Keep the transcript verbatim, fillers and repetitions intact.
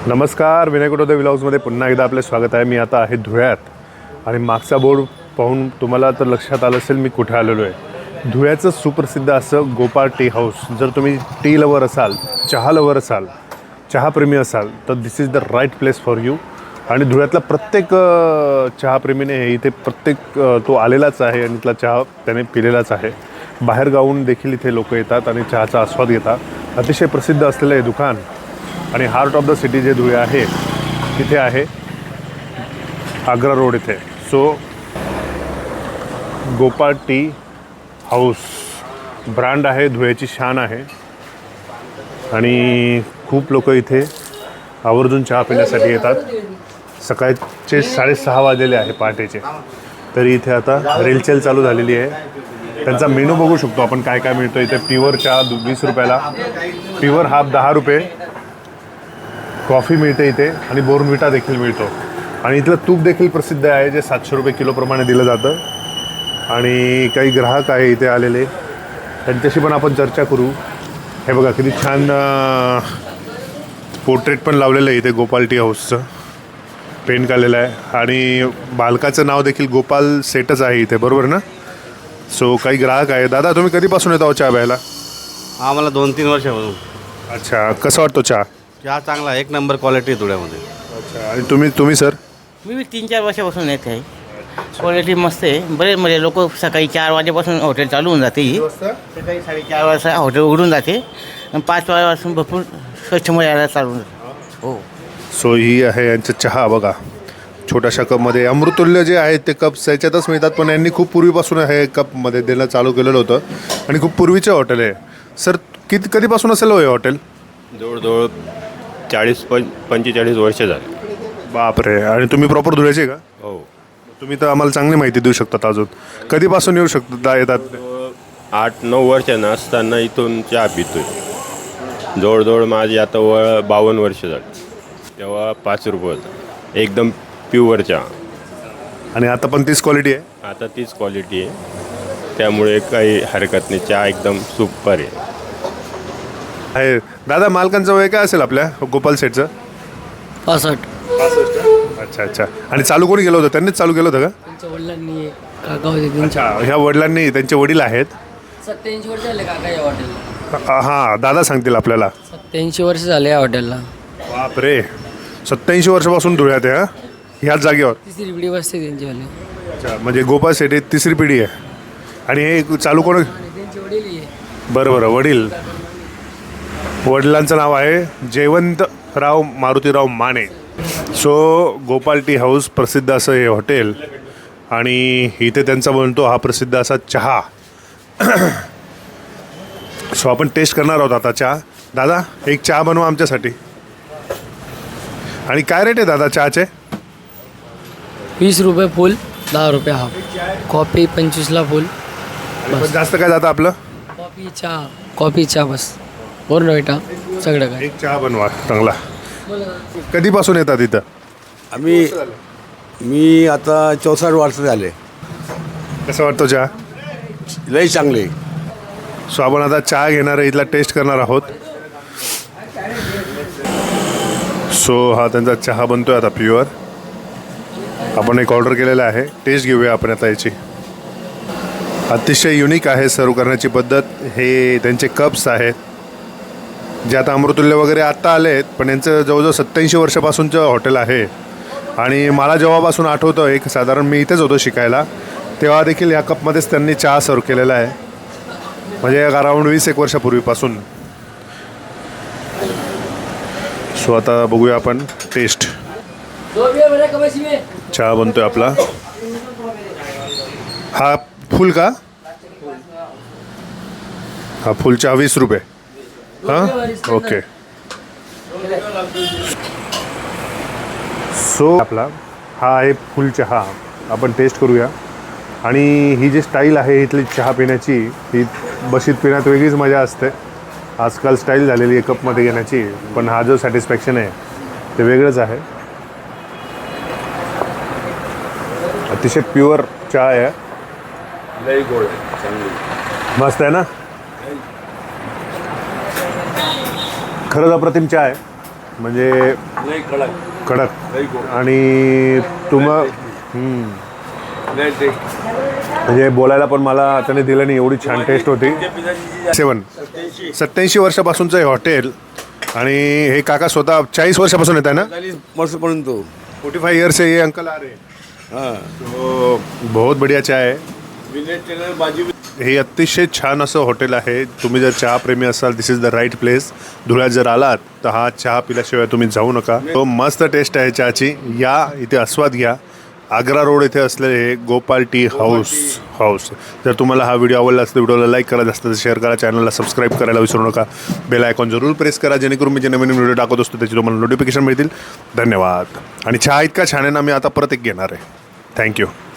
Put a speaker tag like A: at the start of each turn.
A: नमस्कार, विनय कुटोदे व्लॉग्समध्ये पुन्हा एकदा आपले स्वागत आहे. मी आता आहे धुळ्यात आणि मागचा बोर्ड पाहून तुम्हाला तर लक्षात आलं असेल मी कुठे आलेलो आहे. धुळ्याचं सुप्रसिद्ध असं गोपाळ टी हाऊस. जर तुम्ही टी लवर असाल, चहा लवर असाल, चहाप्रेमी असाल तर this is the right place for you. आणि धुळ्यातला प्रत्येक चहाप्रेमीने हे इथे प्रत्येक तो आलेलाच आहे आणि इथला चहा त्याने पिलेलाच आहे. बाहेर गावून देखील इथे लोक येतात आणि चहाचा आस्वाद घेतात. अतिशय प्रसिद्ध असलेलं हे दुकान आणि हार्ट ऑफ द सिटी जे धुळे आहे तिथे आहे, आग्रा रोड इथे. So Gopal tea house brand आहे, धुळ्याची शान आहे आणि खूप लोक इथे आवर्जून चहा पिण्यासाठी येतात. सकाळचे साडेसहा वाजलेले आहे पहाटेचे, तरी इथे आता रेलचेल चालू झालेली आहे. त्यांचा मेनू बघू शकतो आपण काय काय मिळतो इथे. प्युअर चहा वीस रुपयाला, प्युअर हाफ दहा रुपये, कॉफी मिळते इथे आणि बोर्नव्हिटा देखील मिळतो. आणि इथलं तूप देखील प्रसिद्ध आहे जे सातशे रुपये किलोप्रमाणे दिलं जातं. आणि काही ग्राहक आहे इथे आलेले, त्यांच्याशी पण आपण चर्चा करू. हे बघा किती छान पोर्ट्रेट पण लावलेलं आहे इथे गोपाळ टी हाऊसचं, पेंट काढलेलं आहे. आणि बालकाचं नाव देखील गोपाल सेटच आहे इथे, बरोबर ना? सो काही ग्राहक आहे. दादा तुम्ही कधीपासून येतो चहा प्यायला?
B: हा, मला दोन तीन वर्षापासून.
A: अच्छा, कसा वाटतो चहा?
B: चहा चांगला, एक नंबर क्वालिटी धुळ्यामध्ये.
A: अच्छा, आणि तुम्ही तुम्ही सर?
C: मी बी तीन चार वर्षापासून येत आहे. क्वालिटी मस्त आहे. बरेच म्हणजे लोक सकाळी चार वाजेपासून हॉटेल चालू होऊन जाते. ही सकाळी साडेचार वाजता हॉटेल उघडून जाते आणि पाच वाजेपासून भरपूर कस्टमर यायला चालू जाते. हो.
A: सो ही आहे यांचं चहा बघा, छोट्याशा कपमध्ये. अमृतुल्य जे आहेत ते कप्स याच्यातच मिळतात, पण यांनी खूप पूर्वीपासून हे कपमध्ये देणं चालू केलेलं होतं आणि खूप पूर्वीचं हॉटेल आहे. सर किती कधीपासून असेल हो हे हॉटेल?
D: जवळजवळ चाळीस पं पंचेचाळीस वर्ष झाले.
A: बापरे. आणि तुम्ही प्रॉपर धुळ्याचे का?
D: हो.
A: तुम्ही तर आम्हाला चांगली माहिती देऊ शकतात. अजून कधीपासून येऊ शकतात येतात?
D: आठ नऊ वर्षांना असताना इथून चहा पितोय. जवळजवळ माझी आता व बावन्न वर्ष झाली. तेव्हा पाच रुपये होता एकदम प्युअर चहा.
A: आणि आता पण तीच क्वालिटी आहे?
D: आता तीच क्वालिटी आहे, त्यामुळे काही हरकत नाही. चहा एकदम सुपर आहे.
A: आहे. दादा मालकांचं वय काय असेल आपल्या गोपाल सेटचं?
E: पासष्ट.
A: अच्छा अच्छा. आणि चालू कोणी केलं होतं? त्यांनीच चालू केलं होतं का?
E: त्यांच्या वडिलांनी काका होते त्यांच्या.
A: अच्छा, ह्या वडिलांनी, त्यांचे वडील आहेत.
E: सत्याऐंशी वर्ष झाले काका या हॉटेलला.
A: हां, दादा सांगतील आपल्याला.
E: सत्याऐंशी वर्ष झाले या हॉटेलला.
A: बापरे, सत्याऐंशी वर्षापासून धुळ्यात आहे. ह्याच जागेवर
E: तिसरी पिढी बसते त्यांची वाली.
A: अच्छा, म्हणजे गोपाळ सेट तिसरी पिढी आहे. आणि हे चालू कोण?
E: त्यांचे वडील आहे.
A: बरं बरं, वडील. वडिलांचं नाव आहे Jaywantrao Marutirao Mane. So Gopal tea house प्रसिद्ध असं हे हॉटेल आणि इथे त्यांचा बनतो हा प्रसिद्ध असा चहा. सो आपण टेस्ट करणार आहोत आता चहा. दादा एक चहा बनवा आमच्यासाठी. आणि काय रेट आहे दादा चहाचे?
E: वीस रुपये फुल, दहा रुपये हाफ. कॉफी पंचवीसला फुल.
A: पण जास्त काय जातं आपलं?
E: कॉफी चहा, कॉफी चहा बस. बोर्नव्हिटा सगळं काय.
A: एक चहा बनवा चांगला. कधीपासून येतात इथं?
F: आम्ही मी आता चौसष्ट वर्ष झाले.
A: कसं वाटतो चहा?
F: लई चांगले.
A: सो आपण आता चहा घेणार आहे, इथला टेस्ट करणार आहोत. सो हा त्यांचा चहा बनतोय आता प्युअर. आपण एक ऑर्डर केलेला आहे, टेस्ट घेऊया आपण आता याची. अतिशय युनिक आहे सर्व करण्याची पद्धत. हे त्यांचे कप्स आहेत जे आता अमृतुल्य वगैरे आत्ता आले आहेत, पण यांचं जवळजवळ सत्याऐंशी वर्षापासूनचं हॉटेल आहे. आणि मला जेव्हापासून आठवतं, एक साधारण मी इथेच होतो शिकायला, तेव्हा देखील ह्या कपमध्येच त्यांनी चहा सर्व केलेला आहे, म्हणजे अराऊंड वीस एक वर्षापूर्वीपासून. सो आता बघूया आपण टेस्ट. चहा बनतोय आपला. हा फुल का? हा फुल चहा वीस रुपये. हां, ओके. सो आपला हा आहे फुल चहा, आपण टेस्ट करूया. आणि ही जी स्टाईल आहे इथली चहा पिण्याची, ही बशीत पिण्यात वेगळीच मजा असते. आजकाल स्टाईल झालेली आहे कपमध्ये घेण्याची, पण हा जो सॅटिस्फॅक्शन आहे ते वेगळंच आहे. अतिशय प्युअर चहा आहे.
F: लई गोड चांगली,
A: मस्त आहे ना? खरंच अप्रतिम चहा आहे. म्हणजे कडक आणि तुम्हा हम्म. म्हणजे बोलायला पण मला त्याने दिलं नाही, एवढी छान टेस्ट होती. सेवन सत्याऐंशी वर्षापासूनचं हे हॉटेल आणि हे काका स्वतः चाळीस वर्षापासून येत आहे ना.
F: चालीस वर्षपर्यंत
A: फोर्टी फाइव ईयर से ये अंकल आ रहे हैं.
F: हां
A: तो बहुत बढ़िया चाय आहे.
F: भाजी
A: हे अतिशय छान असं हॉटेल आहे. तुम्ही जर चहा प्रेमी असाल this is the right place. धुळ्यात जर आलात तर हा चहा पिल्याशिवाय तुम्ही जाऊ नका. तो मस्त टेस्ट आहे चहाची. या इथे आस्वाद घ्या. आग्रा रोड इथे असलेले हे गोपाल टी हाऊस हाऊस जर तुम्हाला हा व्हिडिओ आवडला असेल तर व्हिडिओला लाईक करा, जास्त शेअर करा, चॅनलला सबस्क्राईब करायला विसरू नका. बेल आयकॉन जरूर प्रेस करा जेणेकरून मी जे नवीन व्हिडिओ टाकत असतो त्याची तुम्हाला नोटिफिकेशन मिळतील. धन्यवाद. आणि चहा इतका छान आहे ना, मी आता परत एक घेणार आहे. थँक्यू.